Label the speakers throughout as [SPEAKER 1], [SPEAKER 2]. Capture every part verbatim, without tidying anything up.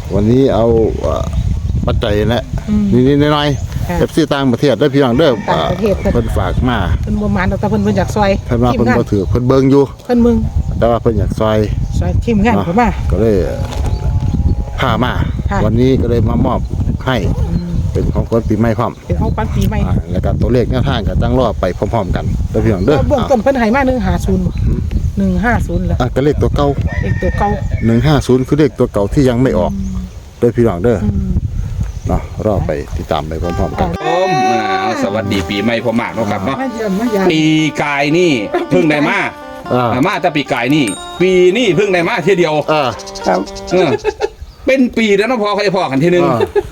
[SPEAKER 1] วันนี้เอาปัจจัยนะนิดๆหน่อยๆเอฟซีต่างประเทศได้พี่น้องเด้อเพิ่นฝากมา
[SPEAKER 2] เพิ่นบ่มานแต่เพิ่นเพิ่นอยากซอย
[SPEAKER 1] เพิ่นว่าเพิ่นบ่ถือเพิ่นเบิ่งอยู่
[SPEAKER 2] เพิ่นมึง
[SPEAKER 1] แต่ว่าเพิ่นอยากซอย
[SPEAKER 2] ซอยทีมงานเพิ่นมา
[SPEAKER 1] ก็เลยพามาวันนี้ก็เลยมามอบให้เป็นของคนปีใหม่พร้อม
[SPEAKER 2] เป็นของปันปีใหม่
[SPEAKER 1] แล้วก็ตัวเลขแนวทางก็ตั้งรอไปพร้อมๆกันเด้อพี่น้องเด้อ
[SPEAKER 2] เบื้องต้นเพิ่นให้มาหนึ่งห้าศูนย์บ่หนึ่งห้าศูนย์แล้ว
[SPEAKER 1] อ่ะก็เลขตัวเก่า
[SPEAKER 2] เลขตัวเก่า
[SPEAKER 1] หนึ่งห้าศูนย์คือเลขตัวเก่าที่ยังไม่ออกเด้อพี่น้องเด้อเนาะรอไปติดตามไปพร้อมๆกัน
[SPEAKER 3] ผมสวัสดีปีใหม่พ่อมากเนาะครับเนาะปีกายนี่เพิ่งได้มามาแต่ปีกายนี่ปีนี่เพิ่งได้มาทีเดียว
[SPEAKER 1] ครับ
[SPEAKER 3] เป็นปีแล้วเนาะพอใครพอกันทีนึง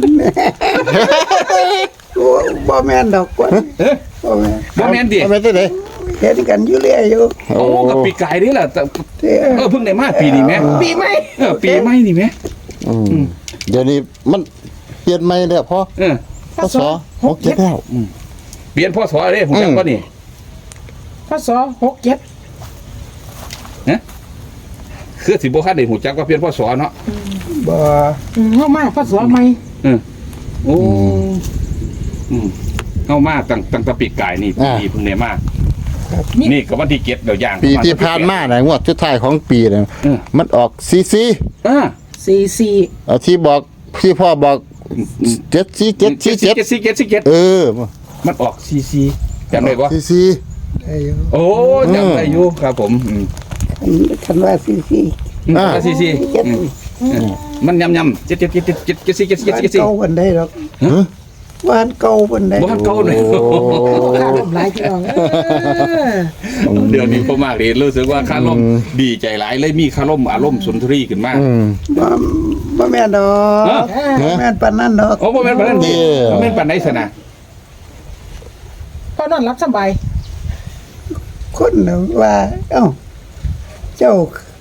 [SPEAKER 4] บ่แม่นดอกกว่า
[SPEAKER 3] บ่แม่นบ่แม่นดิ
[SPEAKER 1] บ่แม่นได้
[SPEAKER 4] เห็นกันอยู่เรื่อยอยู่
[SPEAKER 3] โอ้กับปีกายนี่แหละเออเพิ่งได้มาปีนี้แม่
[SPEAKER 2] ปีใหม่
[SPEAKER 3] เออปีใหม่นี่แม่
[SPEAKER 1] เดี๋ยวนี้มันเปลี่ยนใหม่แล้วพ่อ
[SPEAKER 3] เออ
[SPEAKER 1] พศหกเจ็ดแล้ว
[SPEAKER 3] เปลี่ยนพศเด้ผมจำบ่นี่
[SPEAKER 2] พศหกเจ็ด
[SPEAKER 3] นะคือสิบ่คันได้ฮู้จักว่าเปลี่ยนพศเนาะ
[SPEAKER 4] บ่
[SPEAKER 2] เฮามาพศใหม่
[SPEAKER 3] เออโอ้อืมเฮามาตั้งตั้งแต่ปีกายนี่ปีเพิ่งได้มานี่ก็วันที่เจ็ดเดี๋ยวย่าง
[SPEAKER 1] ปีที่ผ่านมาน่ะงวดสุดท้ายของปีน่ะมันออกซีซี
[SPEAKER 3] อ่า
[SPEAKER 2] สี่สี่
[SPEAKER 1] เอาที่บอกที่พ่อบอกเจ็ดสี่เจ็ดสี่เจ็ด
[SPEAKER 3] สี่เจ็ดสี่เจ็ด
[SPEAKER 1] เออ
[SPEAKER 3] มันออกซีซีจำได้บ่
[SPEAKER 1] ซีซี
[SPEAKER 4] ได้อยู่
[SPEAKER 3] โอ้จำได้อยู่ครับผม
[SPEAKER 4] คันว่าซีซี
[SPEAKER 3] อ่าซีซีมันยำยำเจ็ดเจ็ดเจ็ดเจ็ดเจ็ดเจ็ดสี่เจ็ดสี่เจ็ดสี่
[SPEAKER 4] เก่าวันได้หรอกบ้านเก่าวันได้
[SPEAKER 3] บ้านเก่าเลย
[SPEAKER 2] ข้าลมหลายพี่น้อง
[SPEAKER 3] เดี๋ยวนี้พ่อมากเลยรู้สึกว่าคาร่มดีใจหลายเลยมีคาร่มอารมณ์สุนทรีขึ้นมาก
[SPEAKER 4] บ่บ่แม่นดอกแม่นปานนั้นดอก
[SPEAKER 3] โอ้บ่แม่นปานนั้นดิบ่แม่นปานไหนซะนะ
[SPEAKER 2] พอนอนรับสบาย
[SPEAKER 4] คนว่าเอ้าเจ้า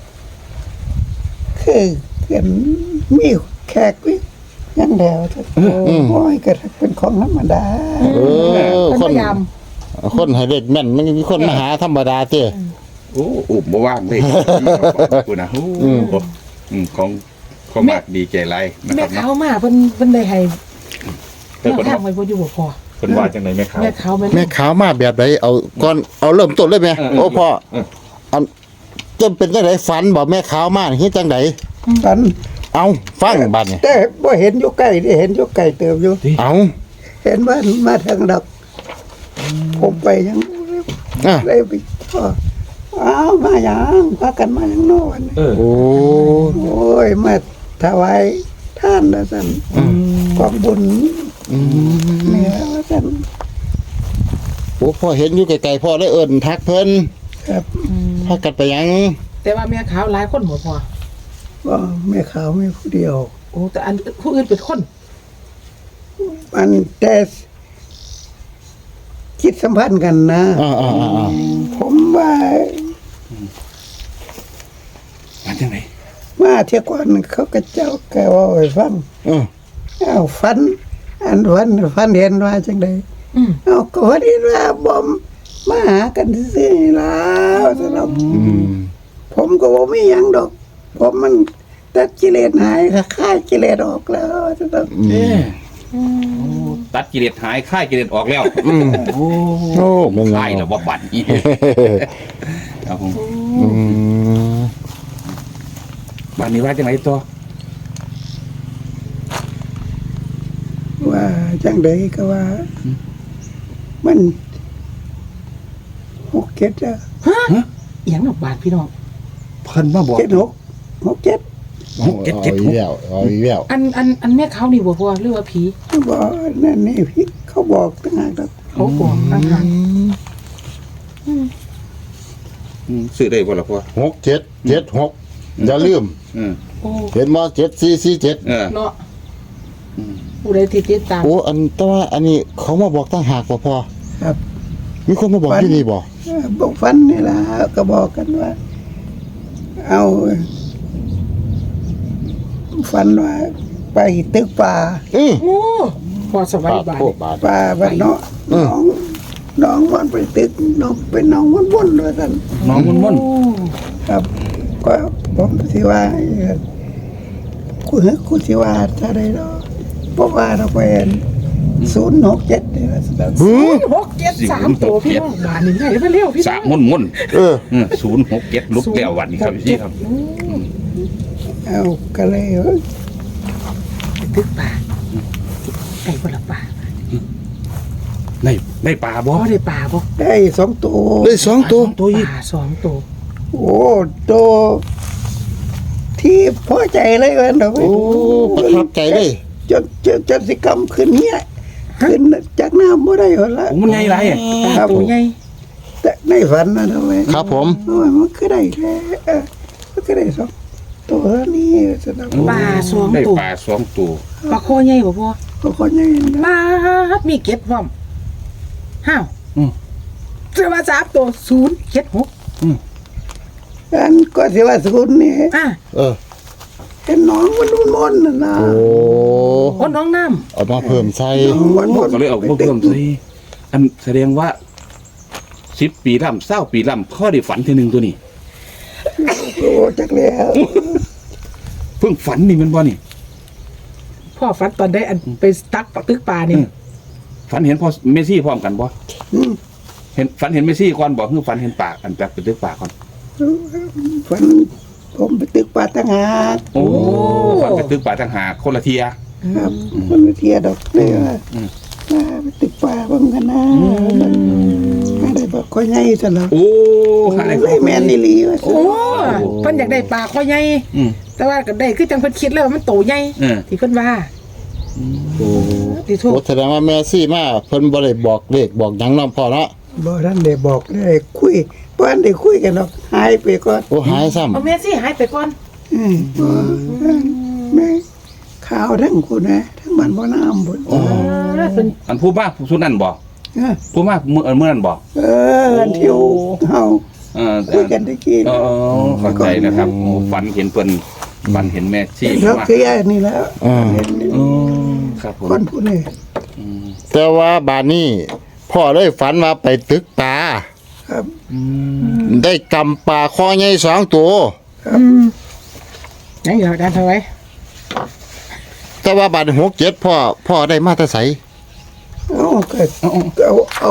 [SPEAKER 4] คือเห็นมีแขกวิยังแล้วโอ้ยก็เป็นของธรรมดา
[SPEAKER 1] เออคนคนให้เด็กแม่นมันมีคนมาหาธรรมดาเจ้
[SPEAKER 3] โอ้อุบบ่ว่างเลยกูนะอืมของของมากดีใจไร
[SPEAKER 2] นะครับแม่เขามาเพิ่นเพิ่นได้ให้แม่ข้าวไว้บ่อยู่บ่พอ
[SPEAKER 3] เพิ่นว่าจังได๋แม่ขาว
[SPEAKER 2] แม่ขาว
[SPEAKER 1] แม่ขาวมาแบบใดเอาก่อนเอาเริ่มต้นเลยแม่โอ้พ่ออันจะเป็นจังได๋ฝันบ่แม่ขาวมาเฮ็ดจังได๋
[SPEAKER 4] ฝัน
[SPEAKER 1] เอาฟังบัดนี่
[SPEAKER 4] แต่บ่เห็นอยู่ใกล้ได้เห็นอยู่ไกลเติบอยู่
[SPEAKER 1] เอา
[SPEAKER 4] เห็นว่ามาทางดอกผมไปยังเลยไปพ่ออ้าวมาหยังพากันมาหยังโน่น
[SPEAKER 1] โอ้
[SPEAKER 4] โอ้ยมาถวายท่านนะสั่นกองบุญเนี่ยว่าสั่น
[SPEAKER 1] โอ้พ่อเห็นอยู่ไกลๆพ่อได้เอิ้นทักเพิ่น
[SPEAKER 4] ครับ
[SPEAKER 1] พากันไปยัง
[SPEAKER 2] แต่ว่าแม่ขาวหลายคนบ่พอ
[SPEAKER 4] ว่าแม่ขาวไม่ผู้เดียว
[SPEAKER 2] โอ้แต่อันผู้อื่นเป็นคน
[SPEAKER 4] มันแต่คิดสัมพันธ์กันนะผมว่า
[SPEAKER 3] มาจังไหน
[SPEAKER 4] มาเที่ยวก่อนเขาก็เจ้าแกว่าให้ฟังอ้าวฟันอันฟันฟันเห็นว่าจังไดเอาก็ว่าดีว่าบอมมาหากันซื่อๆแล้วสำหรับผมก็บ่มีหยังดอกผมมันตัดกิเลสหายค่ายกิเลสออกแล้วจะต้อง
[SPEAKER 3] ตัดกิเลสหายค่ายกิเลสออกแล้วโอ้โหค่ายแล้วว่าบั่นอีครับผมบั่นนี้ว่าจังไหนตัว
[SPEAKER 4] ว่าจังไดก็ว่ามันหกเจ็ดอะ
[SPEAKER 2] ฮะเอียงกับบาทพี่น้อง
[SPEAKER 3] เพิ่นมาบอก
[SPEAKER 4] เจ็ดหกหกเจ็ด
[SPEAKER 3] หกเจ็ดเจ็ดหก
[SPEAKER 2] อันอันอันแม่เขานี่บ่พอหรือว่าผี
[SPEAKER 4] บอกนั่นนี่พี่เขาบอกต่างหาก
[SPEAKER 2] เขาบอกต่างหาก
[SPEAKER 3] ซื้อได้บ่ล่ะพ่อ
[SPEAKER 1] หกเจ็ดเจ็ดหกอย่าลืมเห็นบ่เจ็ดสี่สี่เจ็ด
[SPEAKER 2] เนาะผู้ใดที่ติดตาม
[SPEAKER 1] โอ้อันแต่ว่าอันนี้เขามาบอกต่างหากบ่พอ
[SPEAKER 4] ครับ
[SPEAKER 1] มีคนมาบอกที่นี่บ่
[SPEAKER 4] บอกฟันนี่ล่ะก็บอกกันว่าเอาฝันว่าไปตึกป่า
[SPEAKER 2] โอ้พอสบายบาย
[SPEAKER 4] ป่าบ้านเนาะน้องน้องมันไปตึกน้องเป็นน้องมันวนด้วยกัน
[SPEAKER 3] น้องมันวน
[SPEAKER 4] ครับก็ผมสิว่ากูเฮ้กูสิว่าถ้าได้ดอกบ่ว่าดอกเป็นศูนย์หกเจ็ดนี่ว่าซั่น
[SPEAKER 1] หือ
[SPEAKER 2] หกเจ็ดสามตัวพี่น้องบ้านนี่ไงไปเร็วพี่น้
[SPEAKER 3] สา
[SPEAKER 2] อง
[SPEAKER 3] มมุ่นมุ่น
[SPEAKER 1] เออ
[SPEAKER 3] ศูนย์หกเจ็ดลุกแล้ววันนี้ครับพี่ครับ
[SPEAKER 4] เอาก็เลยเอ้ย
[SPEAKER 2] ตึกป่าไก่บ่ละป่า
[SPEAKER 3] ในในป่าบ่
[SPEAKER 2] บ่ได้ป่าบ่
[SPEAKER 4] ได้สองตัว
[SPEAKER 1] ได้สองตัว
[SPEAKER 3] ตัวอีก
[SPEAKER 2] ป่าสองตัว
[SPEAKER 4] โอ้ตัวที่พอใจเลยเว้ยดอกเว้ย
[SPEAKER 1] โอ้ประทับใจเลย
[SPEAKER 4] จนจนจนสิกรรมขึ้นเนี่ยขึ้นจากน้ำบ่ได้หรอละ
[SPEAKER 3] โอ้มันไงไรอ่ะ
[SPEAKER 2] ป่าตัวใหญ่
[SPEAKER 4] แต่ในฝันนะทำไม
[SPEAKER 1] ครับผม
[SPEAKER 4] โอ้ยมันก็ได้แค่เออมันก็ได้สองตัวนี้สนาม
[SPEAKER 2] ป่าสอง
[SPEAKER 3] ได้
[SPEAKER 2] ตัว
[SPEAKER 3] ป่าสองตัว
[SPEAKER 2] ปลาคอใหญ่บ่พ่อ
[SPEAKER 4] ก็คนยังไงนะ
[SPEAKER 2] ป่ามีเก็บพร้อมห้าว
[SPEAKER 3] อืม
[SPEAKER 2] เสือมาสามตัวศูนย์เจ็ดหก
[SPEAKER 4] อันก็สิว่าศูนย์นี่
[SPEAKER 2] อ่ะ
[SPEAKER 1] เออ
[SPEAKER 4] เป็นน้องมันมันมันน่ะนะ
[SPEAKER 1] โอ้
[SPEAKER 2] โอ้น้องน้
[SPEAKER 1] เอามาเพิ่มใส่
[SPEAKER 4] น้องมันมัน
[SPEAKER 3] ก็เลยเอาเพิ่มสิอันแสดงว่าสิบปีล่ำเศร้าปีล่ำพ่อได้ฝันทีหนึ่งตัวนี้
[SPEAKER 4] โอ้จักแล้ว
[SPEAKER 3] เพิ่งฝันนี่มันบ่นี่
[SPEAKER 2] ำพ่อฝันตอนได้อันไปตักปลาตึกปลานี่
[SPEAKER 3] ฝันเห็นพ่อเมซี่พร้อมกันบ่
[SPEAKER 4] อืม
[SPEAKER 3] เห็นฝันเห็นเมซี่ก่อนบอกคือฝันเห็นปากอันแปลกเป็นตึกปากก่อน
[SPEAKER 4] ฝันผมไปตึกป่าตั้งหาก
[SPEAKER 3] โอ้ฝันเป็นตึกปากต่างหากคนละเทีย
[SPEAKER 4] ครับมันไปเที่ยวดอกเลยว่า
[SPEAKER 3] อืม
[SPEAKER 4] มาไปตึกป่าบ้างกันนะมาได้บอกก็ใหญ่ซะแล้ว
[SPEAKER 3] โอ้หาได้
[SPEAKER 4] เลยแม่นนี่ลีว่า
[SPEAKER 2] โอ้เพิ่นอยากได้ปลาคอใหญ่
[SPEAKER 3] อืม
[SPEAKER 2] แต่ว่าก็ได้คือจังเพิ่นคิดแล้วว่ามันโตใหญ่
[SPEAKER 3] เออ
[SPEAKER 2] ที่เพิ่นว่า
[SPEAKER 1] โอ้
[SPEAKER 2] ที่ทุก
[SPEAKER 1] โหแสดงว่าแม่ซี่มาเพิ่นบ่ได้บอกเลขบอกหยังน้องพ่อเนาะ
[SPEAKER 4] บ่ท่านได้บอกได้คุยบ่ทันได้คุยกันหรอกหายไปก่อน
[SPEAKER 1] โอ้หายซ้ำ
[SPEAKER 2] เอาแม่สิหายไปก่อน
[SPEAKER 4] อืมบ่แม่ข่าวทั้งคุณนะทั้งบ้านบ่น้ำบุญ
[SPEAKER 2] เออเพิ่น
[SPEAKER 3] อันผู้มากผู้สุดนั่นบอก
[SPEAKER 4] เออ
[SPEAKER 3] ผู้มากเมื่อเมื่อนั่นบอก
[SPEAKER 4] เอออันที่เฮา
[SPEAKER 3] เออ
[SPEAKER 4] คุยกันตะกี้
[SPEAKER 3] เออเข้าใจนะครับโอ้ฝันเห็นเพิ่นฝันเห็นแม่ซี่
[SPEAKER 4] เรา
[SPEAKER 3] ว่า
[SPEAKER 4] เคลียร์นี่แล้ว
[SPEAKER 1] อ่า
[SPEAKER 4] เห็นนี่
[SPEAKER 3] อืมครับผม
[SPEAKER 4] คนผู้นี้
[SPEAKER 3] อืม
[SPEAKER 1] แต่ว่าบานนี้พ่อเลยฝันว่าไปตึกปลา
[SPEAKER 4] ครับ
[SPEAKER 3] อืม
[SPEAKER 1] ได้กำปลาคอใหญ่สองตัว
[SPEAKER 2] อืมยังอยู่ด้านเท่าไหร่
[SPEAKER 1] แต่ว่าบาทหกเจ็ดพ่อพ่อได้มาแต่ไส
[SPEAKER 4] เอาก็เอาเอา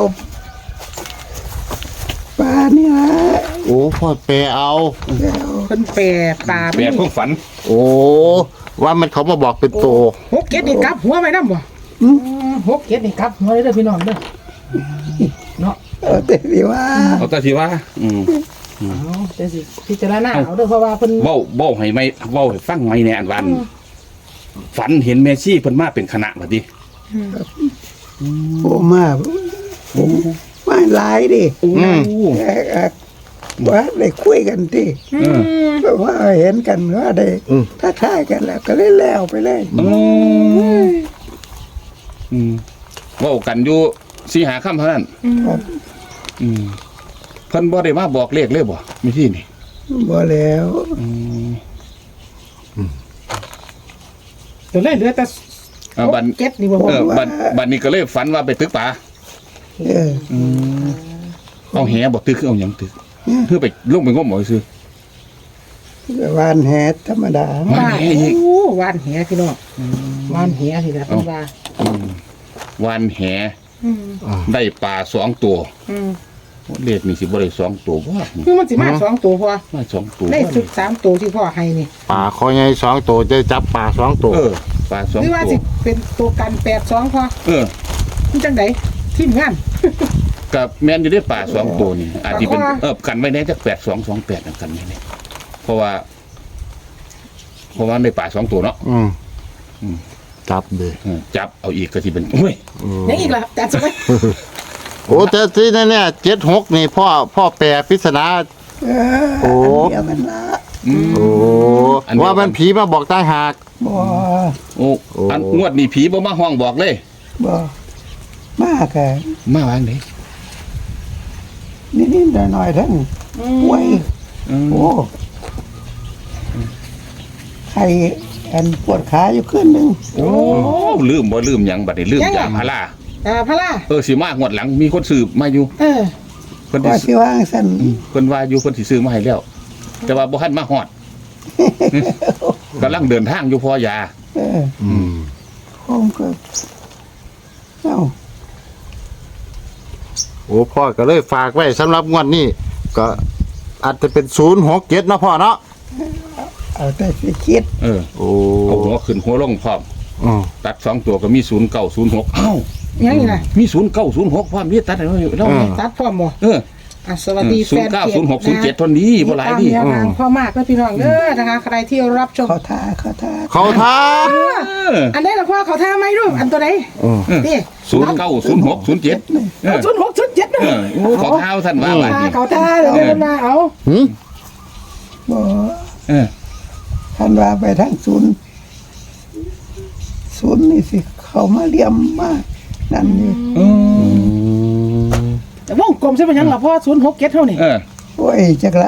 [SPEAKER 4] ปลานี่ละ
[SPEAKER 1] โอ้พ่อแปลเอา
[SPEAKER 4] แล้ว
[SPEAKER 2] เพิ่นแปรปลา
[SPEAKER 3] แปลเพิ่งฝัน
[SPEAKER 1] โอ้ว่ามันเขามาบอกเป็นตัว
[SPEAKER 2] หกเก็ดนี่กลับหัวไว้นำบ่อืมหกเก็ดนี่กลับหัวเลยเด้อพี่น้องเด้อเนาะ
[SPEAKER 4] เอาแต่สิว่า
[SPEAKER 3] เอาแต่ที่ว่า อืม
[SPEAKER 2] เอาแต่สิพิจารณาเอาเด้อเพราะว่าเพิ่น
[SPEAKER 3] เว้าเว้าให้ไม่เว้าให้ฟังไม่แน่อันวัน ฝันเห็นแม่ซี่เพิ่นมาเป็นคณะบัดนี้
[SPEAKER 4] โอ้มาผมมาหลายดิ
[SPEAKER 3] โอ้
[SPEAKER 4] เอ่อเอ่อว่าได้คุยกันดิ
[SPEAKER 3] เออ
[SPEAKER 4] เพราะว่าเห็นกันว่าได้ทักทายกันแล้วก็เลยแล้วไปเลย
[SPEAKER 3] อืมอืมเว้ากันอยู่สี่หาค่ำเท่านั้น
[SPEAKER 4] ครับ
[SPEAKER 3] อืมเพิ่นบ่ได้มาบอกเลขเลยบ่มีที่นี่
[SPEAKER 4] บ่แล้ว
[SPEAKER 3] อืม
[SPEAKER 2] เดี๋ยวเลยเหลือแต่
[SPEAKER 3] อ่าบัด
[SPEAKER 2] เก็ดนี่บ่พอ
[SPEAKER 3] เออบัดบัดนี้ก็เลยฝันว่าไปตึกป่า
[SPEAKER 4] เออ
[SPEAKER 3] อืมเอาแหบ่ตึกคือเอาหยังตึกคือไปลงไปงมหมอยซื่อ
[SPEAKER 4] วานแหธรรมดา
[SPEAKER 3] วานแหอีก
[SPEAKER 2] โอ้วานแหพี่น้องวานแหนี่แหละเพิ่นว่า
[SPEAKER 3] อืมวานแห
[SPEAKER 2] อืม
[SPEAKER 3] ได้ปลาสองตัว
[SPEAKER 2] อืม
[SPEAKER 3] เลขนี่สิบ่ได้สองตัวบ่
[SPEAKER 2] คือมันสิมาสองตัวพอ
[SPEAKER 3] มาสองตัว
[SPEAKER 2] ได้สุดสามตัวที่พ่อให้นี่
[SPEAKER 1] ปลาคอใหญ่สองตัวจะจับปลาสองตัว
[SPEAKER 3] เออปลาสอง
[SPEAKER 2] หรือว่า
[SPEAKER 3] ตั
[SPEAKER 2] สิ
[SPEAKER 3] ว
[SPEAKER 2] เป็นตัวกันแปดสองพอ
[SPEAKER 3] เออ
[SPEAKER 2] มันจังไดทีมงาน
[SPEAKER 3] กับแม่นอยู่ได้ปลาสองตัวนี่อาจจะเป็น
[SPEAKER 2] ปลาคอ
[SPEAKER 3] เออกันไว้แน่จักแปดสองสองแปดกันแน่ๆเพราะว่า เพราะว่าได้ปลาสองตัวเนาะ
[SPEAKER 1] อืม
[SPEAKER 3] อืม
[SPEAKER 1] จับเลย
[SPEAKER 3] เออจับเอาอีกก็สิเป็นโอ้ย
[SPEAKER 2] ยังอีกล่ะจัดสมัย
[SPEAKER 1] โอ้แต่ที่นั่นเนี่ยเจ็ดหกนี่พ่อพ่อแปลปริศนา
[SPEAKER 4] เออ
[SPEAKER 1] โอ้
[SPEAKER 4] อันเดียวกันละ
[SPEAKER 3] อืม
[SPEAKER 1] โอ้
[SPEAKER 3] อันเดียวกัน
[SPEAKER 1] ว่ามันผีมาบอกต่างหาก
[SPEAKER 4] บ่
[SPEAKER 3] โอ้อันงวดนี้ผีบ่มาห้องบอกเลย
[SPEAKER 4] บ่มากแค่
[SPEAKER 3] มาวางเด้
[SPEAKER 4] นิดๆหน่อยๆทั้งไว้
[SPEAKER 3] อืม
[SPEAKER 4] โอ้ใครอันปวดขาอยู่ขึ้นหนึง
[SPEAKER 3] โอ้ลืมบ่ลืมหยังบัดนี้ลืมยาพารา
[SPEAKER 2] อ่าพะล่า
[SPEAKER 3] เออสิมางวดหลังมีคนซื้อมาอยู่
[SPEAKER 2] เออ
[SPEAKER 3] เพิ่น
[SPEAKER 4] ว่า
[SPEAKER 3] สิ
[SPEAKER 4] สิว่างซั่น
[SPEAKER 3] อืมเพิ่นว่าอยู่เพิ่นสิซื้อมาให้แล้ว แต่ว่าบ่ทันมาฮอดกำลังเดินทางอยู่พอยา
[SPEAKER 4] เออ
[SPEAKER 1] อืม
[SPEAKER 4] ผมก็เอ้า
[SPEAKER 1] โอ้พ่อก็เลยฝากไว้สำหรับงวดนี้ก็อาจจะเป็นศูนย์หกเจ็ดนาะพ่อเนาะ
[SPEAKER 4] เอาแต่สิคิด
[SPEAKER 3] เออ
[SPEAKER 1] โอ้
[SPEAKER 3] เอาหัวขึ้นหัวลงพร้อม
[SPEAKER 1] อืม
[SPEAKER 3] ตัดสองตัวก็มีศูนย์เก้าศูนย์หกเอ้า
[SPEAKER 2] ยังนี่นะ
[SPEAKER 3] มีศูนย์เก้าศูนย์หกพร้อมนี่ตัดอะไรอยู่แล้ว
[SPEAKER 1] อืม
[SPEAKER 2] ตัดพร้อมบ่
[SPEAKER 3] เออ
[SPEAKER 2] อ่ะสวัสดี
[SPEAKER 3] ศู
[SPEAKER 2] แฟ
[SPEAKER 3] น
[SPEAKER 2] น
[SPEAKER 3] ย์เก้า
[SPEAKER 2] เพจ
[SPEAKER 3] ศูนย์หกศูนย์เจ็ดทนดีบ่หลายดี
[SPEAKER 2] ตามแนวทางพ่อมากและพี่น้องเด้อนะคะใครที่รับชม
[SPEAKER 4] เขาทาเขาทา
[SPEAKER 1] เขาท้า
[SPEAKER 2] อันใดล่ะพ่อเขาท่าไหมลูกอันตัวใด
[SPEAKER 1] อืม
[SPEAKER 2] นี่
[SPEAKER 3] ศูนย์เก้าศูนย์หกศูนย์เจ็ดเออ
[SPEAKER 2] ศูนย์หกศูนย์เจ็ดนะ
[SPEAKER 3] เออโอ้ขอเท้าท่านว่าบาด
[SPEAKER 2] ท่า
[SPEAKER 3] นี้
[SPEAKER 2] เขาท่าเดี๋ยวเดินมาเอา
[SPEAKER 1] หืม
[SPEAKER 4] บ่
[SPEAKER 3] เออ
[SPEAKER 4] ท่านว่าไปทางศูนย์ศูนย์นี่สิเขามาเลี่ยมมากนั่นนี่
[SPEAKER 3] เออ
[SPEAKER 2] แต่วงกลมใช่ไหมยังล่ะพ่อศูนย์หกเจ็ดเท่านี่
[SPEAKER 3] เออ
[SPEAKER 4] โอ้ยจักละ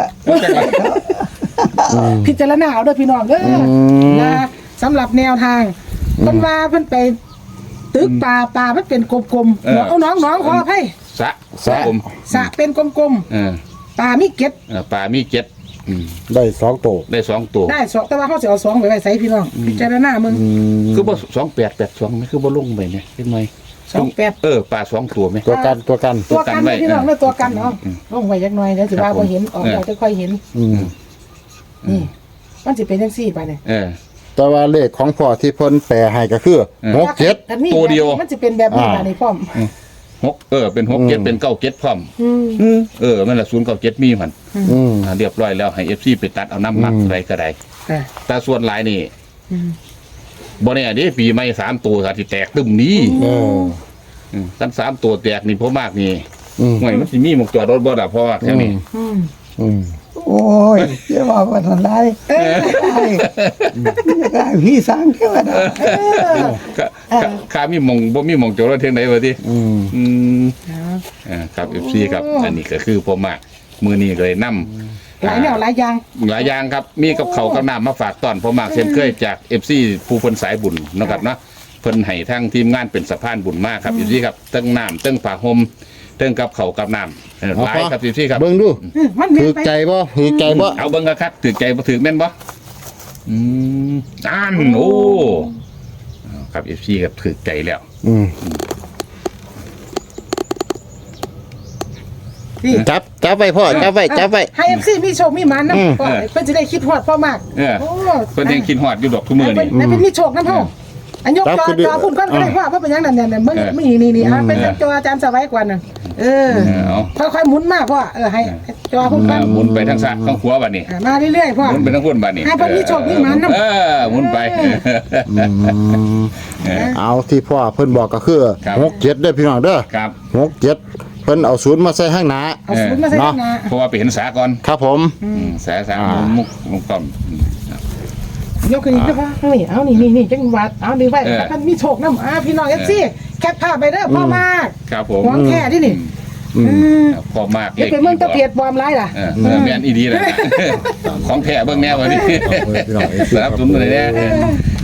[SPEAKER 2] พิจารณาเอาด้วยพี่น้องเด้อนะสำหรับแนวทางเพิ่นว่าเพิ่นไปตึกปลาปลามันเป็นกลมๆเอาน้องน้องขออภัย
[SPEAKER 3] สะสะผม
[SPEAKER 2] สระเป็นกลม
[SPEAKER 3] เออ
[SPEAKER 2] ๆปลามีเก็ด
[SPEAKER 3] เออปลามีเจ็ดอืม
[SPEAKER 1] ได้สองตัว
[SPEAKER 3] ได้สองตัว
[SPEAKER 2] ได้สองแต่ว่าเขาสิเอาสองไปไว้ใส่พี่น้องพิจารณามึง
[SPEAKER 1] อืม
[SPEAKER 3] คือบ่สองแปดแปดสองไหมคือบ่ลงไปเนี่ยเล็กน้อย
[SPEAKER 2] สองแปด
[SPEAKER 3] เออปลาสองตัวไหม
[SPEAKER 1] ตัวกันตัวกัน
[SPEAKER 2] ตัวกันเลยพี่น้องเลยตัวกันเนาะ
[SPEAKER 3] อืม
[SPEAKER 2] ลงไว้จักหน่อยเดี๋ยวสิว่าบ่เห็นออก
[SPEAKER 3] เออ
[SPEAKER 2] เราจะค่อยเห็น
[SPEAKER 1] อืม
[SPEAKER 2] นี่มันสิเป็นจังซี่ไปเนี่ย
[SPEAKER 3] เออ
[SPEAKER 1] แต่ว่าเลขของพ่อที่เพิ่นแปลให้ก็คือ
[SPEAKER 3] เออ
[SPEAKER 1] หกเจ็ด
[SPEAKER 2] อันนี้
[SPEAKER 3] ตัวเดียว
[SPEAKER 2] มันสิเป็นแบบนี้
[SPEAKER 1] อ่า
[SPEAKER 2] บาดนี้พร้อม
[SPEAKER 3] หกเออเป็นหกเจ็ดเป็นเก้าเจ็ดพร้อม
[SPEAKER 2] อืม
[SPEAKER 3] เออมันละศูนย์เก้าเจ็ดมีมัน
[SPEAKER 1] อืม
[SPEAKER 3] อ่าเรียบร้อยแล้วให้เอฟซีไปตัดเอาน้ำหมัก
[SPEAKER 1] อืม
[SPEAKER 3] อะไรก็ได้
[SPEAKER 2] อ่า
[SPEAKER 3] แต่ส่วนหลายนี่
[SPEAKER 2] อืม
[SPEAKER 3] บ่แน่เด้ปีใหม่สามตัวอาจสิแตกตึมนี้
[SPEAKER 1] เออ
[SPEAKER 3] อืมกันสามตัวแตกนี่พ่อมากนี่
[SPEAKER 1] อืม
[SPEAKER 3] ห่วยมันสิมีหมกจอดรถบ่ล่ะเพราะว่าแค่นี้
[SPEAKER 2] อืม
[SPEAKER 1] อืม
[SPEAKER 4] โอ้ยจะว่าวันอะไรไอ้จะได้พี่สร้างแค่ว่าได้
[SPEAKER 3] ก็ก็ข้ามีหมองบ่มีหมองจอดรถเท่งไหนวะติ
[SPEAKER 1] อืม
[SPEAKER 3] อืม
[SPEAKER 2] เอา
[SPEAKER 3] อ่าครับ เอฟ ซี ครับ อันนี้ก็คือพ่อมากมือนี้ก็เลยนำ
[SPEAKER 2] หลายแนวหลายอย่าง
[SPEAKER 3] หลายอย่างครับ มีกับเขาวกับน้ำมาฝากตอนพ่อมากเช่นเคยจาก เอฟ ซี ผู้เพิ่นสายบุญเนาะครับเนาะเพิ่นให้ทั้งทีมงานเป็นสะพานบุญมากครับ เอฟ ซี ครับเติ้งน้ำเติ้งผ้าห่มเติ้งกับเขาวกับน้ำเออหลายครับ เอฟ ซี ครับ
[SPEAKER 1] เบิ่งดู
[SPEAKER 2] อืมมันเวีย
[SPEAKER 1] ถื
[SPEAKER 2] น
[SPEAKER 1] อ
[SPEAKER 2] ไป
[SPEAKER 1] ใจบ่ถือใจบ่
[SPEAKER 3] เอาเบิ่งกันครับถือใจบ่ถือแม่นบ่อืมอ่านโอ้เอาครับ เอฟ ซี ครับถือใจแล้ว
[SPEAKER 1] อืม
[SPEAKER 2] นี่
[SPEAKER 1] จับจับไว้พ่อจับไว้จับไว้
[SPEAKER 2] ให้ เอฟ ซี มีโชคมีหมันนะ
[SPEAKER 1] อืม
[SPEAKER 2] พ่อเพิ่นจะได้คิดฮอดพ่อมาก
[SPEAKER 3] เออ
[SPEAKER 2] โอ้
[SPEAKER 3] เพิ่นยังคิดฮอดอยู่ดอกทุกมื้อ
[SPEAKER 2] ให้
[SPEAKER 3] นี่
[SPEAKER 2] เพิ่นให้เพิ่นมีโชคนํเฮาอันยก
[SPEAKER 1] ครับ
[SPEAKER 2] จอ
[SPEAKER 1] คือดิ
[SPEAKER 2] จอพุ่นก้อนก็ได้ว่าว่าเป็นหยังนั่นเนี่ยมึง
[SPEAKER 3] เออ
[SPEAKER 2] มีนี่นี่อ่ะเป็น
[SPEAKER 3] เออ
[SPEAKER 2] จออาจารย์สวัยกว่าน่ะเออ
[SPEAKER 3] เอา
[SPEAKER 2] ค่อยๆหมุนมาพ่อเออให้ให้จอพุ่นก้อ
[SPEAKER 3] อ่าน หมุนไปทางซ้ายข้างขวาบัดนี้
[SPEAKER 2] อ่ะมาเรื่อยๆพ่อ
[SPEAKER 3] หมุนไปทางพุ่นบัดนี้
[SPEAKER 2] ให้เพิ่นมีโชคมีหมานนำ
[SPEAKER 3] เออหมุนไป
[SPEAKER 1] อืม
[SPEAKER 3] เออ
[SPEAKER 1] เอาที่พ่อเพิ่นบอกก็คือ
[SPEAKER 3] ครับ
[SPEAKER 1] หกเจ็ดเด้อพี่น้องเด้อ
[SPEAKER 3] ครับ
[SPEAKER 1] หกเจ็ดเพิ่นเอาศูนย์มาใส่ข้างหน้า
[SPEAKER 2] เอาศูนย์มาใส่ข้างหน้า
[SPEAKER 3] เพราะว่าไปเห็นสาก่อน
[SPEAKER 1] ครับผม
[SPEAKER 3] อืมสาสา
[SPEAKER 1] อ่า
[SPEAKER 3] มุกมุกต้อมอืมครับ
[SPEAKER 2] ยกขึ้นอีกนะพ่อเอานี่เอานี่นี่นี่จังหวัดเอาดีไว้
[SPEAKER 3] เออ
[SPEAKER 2] มันมีโชคนำอ่ะพี่น้อง เอฟ ซี แคปภาพไปเด้อพ่อมาก
[SPEAKER 3] ครับผม
[SPEAKER 2] ของแท้ที่นี่
[SPEAKER 1] อืม
[SPEAKER 2] อืม
[SPEAKER 3] ครับพอมาก
[SPEAKER 2] เดี๋ยวไปเมืองตะเพียดปลอมไรล่ะ
[SPEAKER 3] เออเออแม่นอีดีเลยนะของแท้เบิ่งแนววันนี้
[SPEAKER 1] เอาไว้พี่น้อง
[SPEAKER 3] สนับสนุนเลยเนี่ย